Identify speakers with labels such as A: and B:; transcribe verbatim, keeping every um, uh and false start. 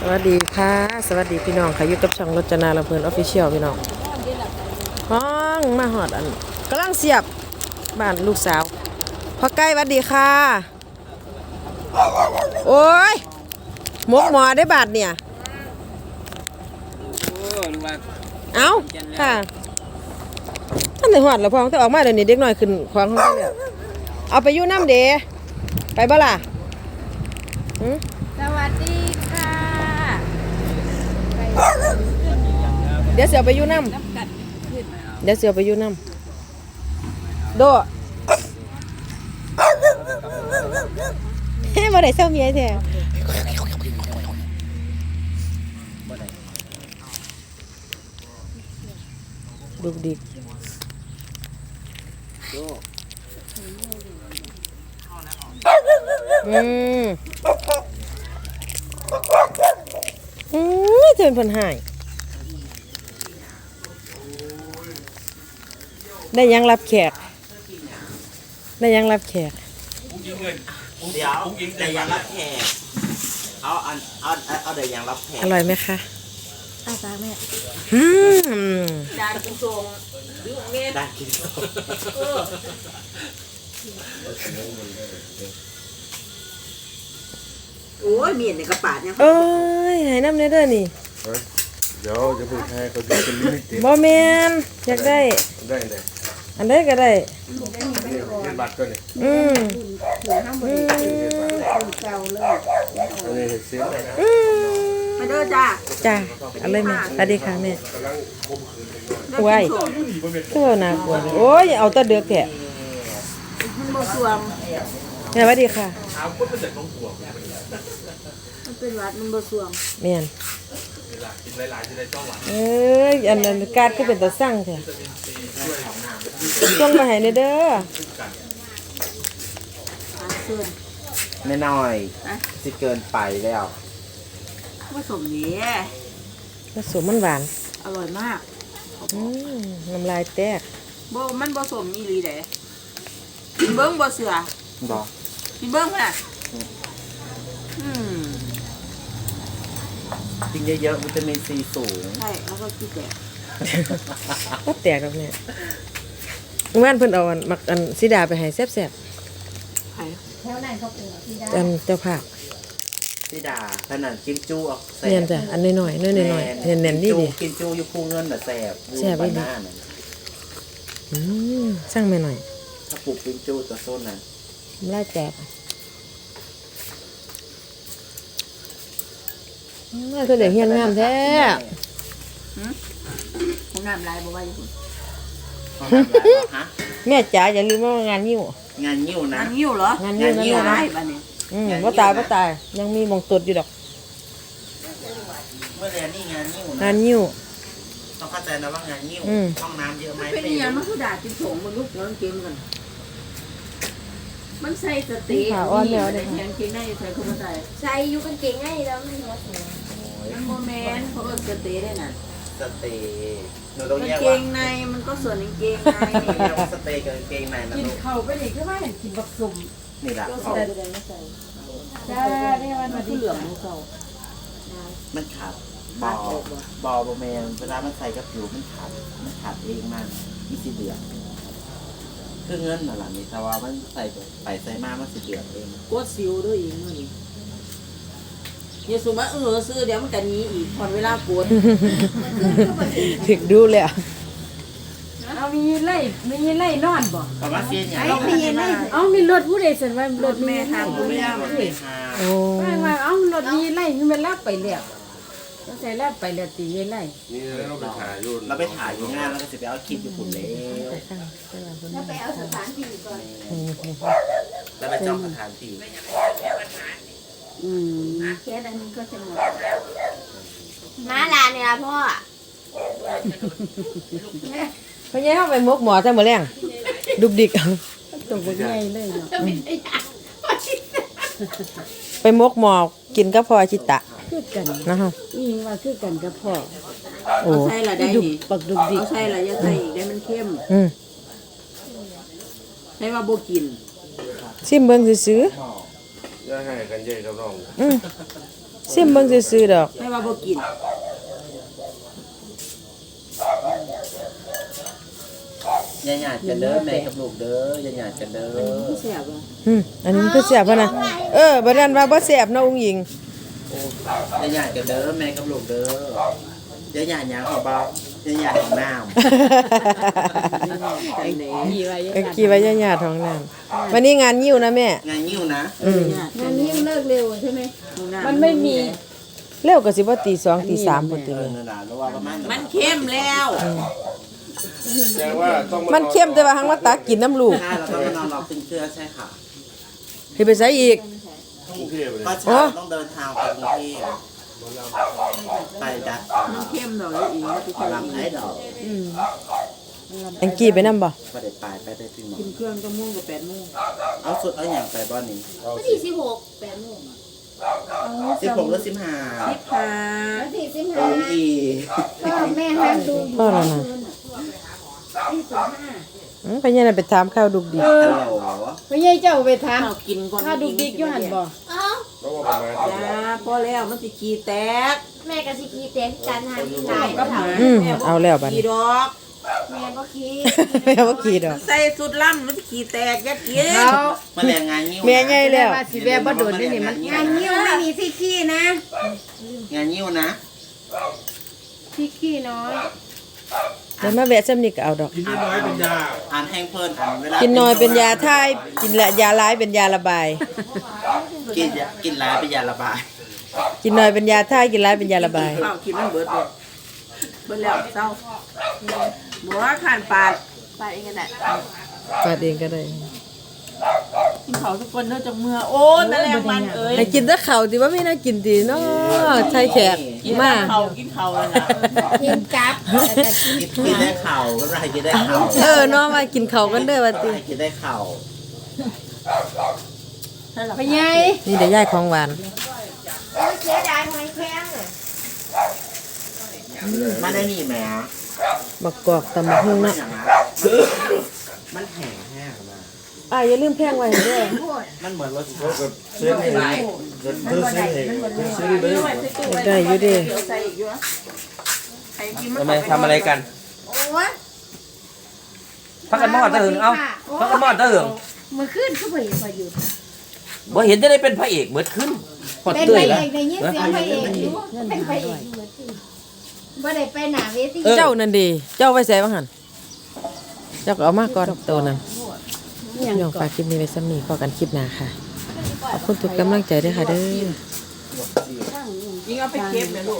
A: สวัสดีค่ะสวัสดีพี่น้องค่ะอยู่กับช่องรจนาลำเพลินออฟฟิเชียลพี่น้องห้องมาหอดอันกำลังเสียบบ้านลูกสาวพ่อใกล้สวัสดีค่ะโอ้ยหมกหมอได้บาทเนี่ยเอาค่ะท่านในหอดแล้วพอต้องออกมาเดี๋ยวนี้เด็กน้อยขึ้นควางเขาเนี่ยเอาไปอยู่น้ำเดไปบ่ล่ะ
B: สวัสดีค่ะ
A: เดี๋ยวเสียไปอยู่น้ำเดี๋ยวเสียไปอยู่น้ำโดเฮ้ยบ่ได้เศร้าเมียแท้ดุกดิกอืมอืมเทินเพิ่นหายได้ยังรับแขกได้ยังรับแขก
C: เดี๋ยวแต่ยังรับแขกเอาอันเอาเอาเดี๋ยวยังรับแขก
A: อร่อยไหมคะ
B: อาจารย์แม่
A: อืม
B: ดานกินทรงดูเงี้ย
C: ได้กิน
B: โอ้ยเมียนในกระปาดเนี่ย
A: เอ้ยหายน้ำเนเด้อนี่
D: เดี๋ยวจะพูดให้เขาจะเป็นลิมิต
A: บ่แมนอยากได้
D: ได้เลย
A: อันใดก็ได้
D: เงินบัตรก็เลย
A: อืม
D: อืมอันนี้เสียง
A: อืม
B: มาเด้อจ้า
A: จ้าอะไรแม่สวัสดีค่ะแม่ว้ายเท่าน่ากลัวโอ้ยเอาแตะเดือกแท้
B: มันบ่สวม
A: แม่สวัสดีค่ะ
B: มันเป็นวัดมันบ่สวม
A: แม่นเอ้ยอันนั้นการก็เป็นตาสั่งแท้ส่งมาให้เด้อ
C: ไม่น้อยสิเกินไปแล้ว
B: ผสมนี้
A: ผสมมันหวาน
B: อร่อยมาก
A: อืมน้ำลายแตก
B: บ่มันผสมอีหลีเด้กินเบิ้งบ่เสือ
C: บ่
B: กินเบิ้งป่ะอืม
C: กินเยอะๆวิตามินซีสูง
B: ใช่แล้วก็ขี้แตก
A: ก็แตกแล้วเนี่ยเมื่อวานเพิ่นเอาอันมักอันสีดาไปให้แซ่บๆ
B: ใช่แถวไหนเขาเป็นสีดา
A: อันเจ้าภาพ
C: สีดาขนาดกินจูออกแซ่บ
A: เนี่ยจ้ะอันน้อยๆน้อยๆน้อยๆแน่นๆนี่ดิ
C: กินจูอยู่คู่เงินน่ะแซ่บ
A: แซ่บไปดิอืมสั่งแม่หน่อย
C: ถ้าปลูกกินจูตัวโซนนั้น
A: ลายแตกน่าจะเด็กเฮียนงามแท้
B: ห้องน้ำลายบ่ว่าอยู่พุ่น
A: แม่จ๋าอย่าลืมว่างานยิ้ว
C: งานยิ้วนะ
B: งานยิ้วเหรอง
A: านยิ้วนั่น
B: ได้บัดนี้
A: อืมบ่ตายบ่ตายยังมีมงตดอยู่ดอก
C: เมื่อเรียนนี่งานยิ้วนะ
A: งานยิ้ว
C: ต้องเข้าใจนะว่างานยิ้วห้องน้ำเยอะไหม
B: เป็นอย่างมันคือด่ากินถงมันลุกแล้วเกมกันมันใส่สตินี่มันแทงเกงในใส่เข้ามาใส่
E: ใส่อยู่กันเก่งไงแล้วไม่หัวเสีย
B: มันโมเมนต์เขาก็สติได้น่ะ
C: สเตย์หนูต้องแยกว่า
B: เกงในมันก็ส่วนเกงใน
C: เรียกว่าสเตย์กับเกงในนะ
E: กิน
C: ลูก
E: เข่าไปดิคือว่าเห็นกินบักสุ่ม
C: นี่แหละ
B: เขา
E: จ้าได้วันมาที่
B: เหลืองของเขา
C: มันขาดบอบอบอแมนเวลามันใส่กับผิวมันขาดมันขาดเองมากมีสีเหลืองคือเงินน่ะล่ะนี่แต่ว่ามันใส่ไปใส่มามันสีเหลืองเอง
B: กดซิวด้วยอีกมื้อนี้อย่าสมว่าเออซื้อเดี๋ยวมันก็หนีอีกพอเวลากด
A: ถึกดูเลย
E: เอามีไล่มีไล่นอนบ่
C: ประมาณเสียอย่าง
B: เอามีไล่
E: เอามีรถผู้ใดสันว่ารถ
B: แม่ทางผู้ย่าเลย
A: โอ้
E: ว่าเอารถมีไล่คือมันรับไปแล้วต้องใส่รับไปแล้วตีไล่
D: นี่เราไปถ่ายรูป
C: เราไปถ่ายอยู่งานแล้วก็จะไปเอาคลิปอยู่ฝุ่นเลย
E: แล้วไปเอาสถานที่ก่อน
C: แล้วไปจ้องสถานที่
B: อืม
E: แค่นั้นก็จะหมด
B: มาลาเนี่ยพ่อ
A: พ่อใหญ่เข้าไปมกหมอซะมื้อแรงดุกดิก
E: ตกบ่ใหญ่เลยเนาะ
A: ไปมกหมอกินกับพ่อชิตะ
E: คือกัน
A: นะคะ
E: นี่ว่าคือกันกับพ่อ
A: โอ้
B: ใช่ละได้นี่
E: ปักดุกดิก
B: ใช่ละอย่าใส่อีกได้มันเข้ม
A: อืม
B: ใช่ว่าบ่กิน
A: ชิมเบิ่งซื่อ
D: อย่าให้กันเย่กับน้อง
A: อืมซิมเบิ่งซื่อๆดอก
B: ไม่ว่าบ่กิน
C: อย่าหยาดกันเด้อแม่กับลูกเด้ออย่าหยาดกันเด้อ
B: ผู้แซ่บบ่
A: อืมอันนี้มันคือแซ่บบ่นะเออบัดนั้นว่าบ่แซ่บเนาะอุ้งหญิง
C: อย่าหยาดกันเด้อแม่กับลูกเด้ออย่าหยาดหยังของเบาอย่าหยาดของน้ำ
B: กันแหน่
E: กี่ไว้
A: เออกี่ว่าญาติๆท้องน้ำวันนี้งานยิ้วนะแม่
C: งานยิ้วนะ
A: อืม
E: งานนี้เลิกเร็วใช่ไหม
B: มั
E: มันไม่มี
A: เร็วก็สิบ่ตีสองตีสามพุ่นติ
C: เอ
A: แม่
C: อนั่นล่ะแล้วว่าประมาณ
B: มันเข้มแล้ว
D: แสดงว่าต้อง
A: มันเข้มแต่ว่าหังมาตักกินน้ำลูก
C: ใช่เราต้องมานอนรอตึงเชื่อใช่ค่ะ
A: ให้ไปใส่อีก
D: กรุงเทพเลย
C: ก็เช้าต้องเดินทางไปกรุงเทพไปดัด
B: มันเข้มดอกแล้วอีกแล้วที่
C: ขอลำไอ้ดอก
A: แองกี้ไปนํบ่
C: ไปได้ไปไปได้พี่หมอ
B: กินเครื่องต้องมุ่งกับแปดโมง
C: เอาสุดเอาอย่างไปบ้านนี้
F: วันที่สิบหกแปดโมง
C: สิบหกหรือสิบห้า
B: สิบห้า
F: วันที่สิบ
C: โอ้
F: ห้าย
C: อี
F: พ่อแม่ห้ามดู
A: พ่อแล้วนะ
F: ที่สิบห้า
A: อืมไปยังไงไปถามข้าวดุกดิ
C: ฮัลโหล
E: พ่อใหญ่เจ้าไปถาม
B: ข้าวกินก่อน
E: ข้าดูดิกอยู่หันบ่
F: เอ้า
D: ต้องว่าประมาณ
B: จ้าพอแล้วมันสิขี้แตก
F: แม่กับสิกีเต็มการหาที่ไหน
B: กับหมา
A: อืมเอาแล้วบัด
B: ขี้
A: นี้
B: ดอก
F: แม่ก็คิด
A: แม่บ่ขี้ดอก
B: ใส่สุดล่ำมันสิขี้แตกอย่ากิน
E: เอา
C: มาแรงงานยิ้ว
A: แม่ใหญ่แล้ว
E: ว่าสิแม่บ่โดนนี่นี่มัน
F: งานนิ้วไม่มีที่ขี้นะ
C: งานยิ้วนะ
E: พี่ขี้น้อย
A: เดี๋ยวมาแวะซ้ำนี่ก็เอาดอก
D: กินน้อยเป็นยา
C: อ่านแห้งเพลินอ่านเวลา
A: กินน้อยเป็นยาทายกินละยาร้ายเป็นยาระบาย
C: กินยากินหลายเป็นยาระบาย
A: กินน้อยเป็นยาทายกินร้ายเป็นยาระบาย
B: ข้าวกินมันเบิดเลยเบิดแล้วเศร้าบัวขานปาด
F: ไปเองกันแหละ
A: ปาดเองก็ได้
B: กินเขาวทุกคนเด้อจังเมื่อโอ้ยแมลงมันเอ้ย
A: ให้กินแต่ข้าวติว่าไม่น่ากินติเนาะไทยแขก
B: กิน
A: มา
B: เขาวกินเขาวเลยนะ
F: กินจับแต่กิน
C: กินกินได้เข่าก็ไรกินได้เข่า
A: เออเนาะมากินข้าวกันเด้อว่าติ
C: กินได้เข่า
E: พ่อใหญ่
A: นี่เดี๋ยวยายของหวาน
F: โอ้ยเสียดายหอยแครงเลย
C: มาได้นี่แหม
A: บักกอกตำบักหุ่งเนาะ
C: มันแห้งแห้งมา
A: อ่าอย่าลืมแพงไว้เด้อ
C: มันเหมือนรสชาติ
D: เส้นเองเพื่อเส้นเองซื้อเลย
A: ได้อยู่เด้
B: เดี๋ยวใส่อีกอยู่นะใครกินมัน
G: ทำไมทำอะไรกัน
F: โอ้ย
G: พักกันมอดตะหึงเอ้าพักกันมอดตะหึง
F: มือขึ้นก็ไปอยู่ไปอยู่
G: บ่เห็นจะได้เป็นพระเอกเบิดขึ้นพอด
F: เป็น
G: เตื้
F: พ
G: อย
F: ระ
G: แล้ว
F: เอกในยินเสียงพระเอกอยู่เป็นพระเอกอยู่ที่บ่ได้ไปหน้าเวที
A: เจ้านั่นดีเจ้าไว้ใส่บ้างหันเจ้าก็เอามาก่อนตัวนั้นพี่น้องฝากคลิปนี้ไว้ซ้ำนี้พอกันคลิปหน้าค่ะ ขอบคุณทุกกำลังใจด้วยค่ะเด้อ
B: ยิงเอาไปเก็บเลยลูก